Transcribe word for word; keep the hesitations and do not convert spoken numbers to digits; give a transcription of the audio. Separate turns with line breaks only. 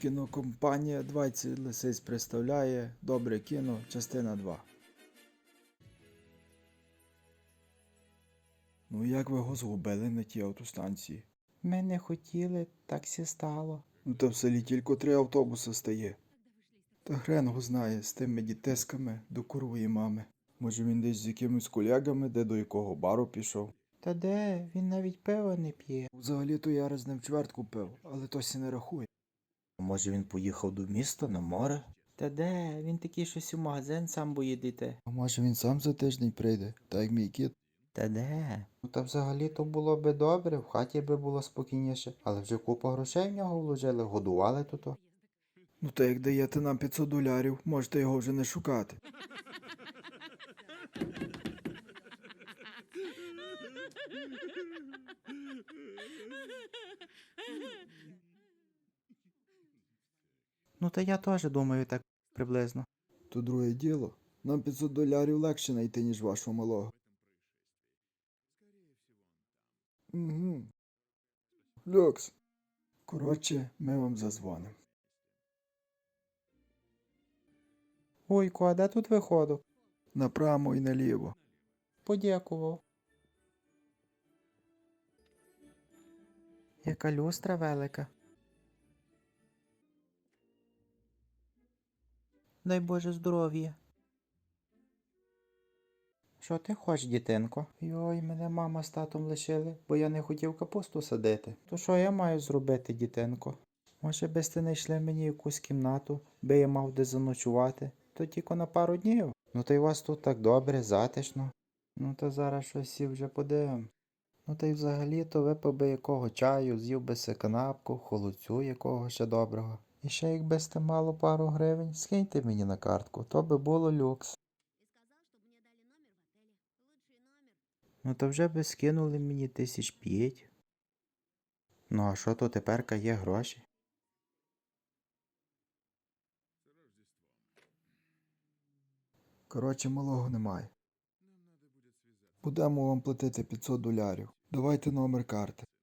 Кінокомпанія двадцять лисиць представляє Добре кіно, частина два. Ну як ви його згубили на тій автостанції?
Ми не хотіли, так сі стало.
Ну та в селі тільки три автобуси стає. Та хрен його знає з тими дітесками до курвої мами. Може він десь з якимись колегами, де до якого бару пішов.
Та де? Він навіть пива не п'є.
Взагалі-то я раз з ним чвертку пив, але то сі не рахує.
Може він поїхав до міста на море? Та де? Він такий щось у магазин сам боїде йти.
А може він сам за тиждень прийде, так як мій кіт.
Та де? Ну та взагалі то було би добре, в хаті би було спокійніше, але вже купа грошей в нього вложили, годували тут.
Ну та як даєте нам п'ятсот долярів, можете його вже не шукати.
Ну та я теж думаю так приблизно.
То друге діло. Нам п'ятсот долярів легше знайти, ніж вашого малого. Угу. Люкс. Коротше, ми вам зазвонимо.
Ойку, а де тут виходок?
Направо і наліво.
Подякував. Яка люстра велика. Дай Боже здоров'я. Що ти хочеш, дітинко? Йой, мене мама з татом лишили, бо я не хотів капусту садити. То що я маю зробити, дітинко? Може, би ти знайшли мені якусь кімнату, би я мав де заночувати, то тільки на пару днів. Ну та й у вас тут так добре, затишно. Ну то зараз щось всі вже подивим. Ну та й взагалі-то випив би якого чаю, з'їв би си канапку, холодцю якого ще доброго. І ще якби сте мало пару гривень, скиньте мені на картку, то би було люкс. Ну то вже би скинули мені тисяч п'ять. Ну а що то теперка є гроші?
Коротше, малого немає. Будемо вам платити п'ятсот долярів. Давайте номер карти.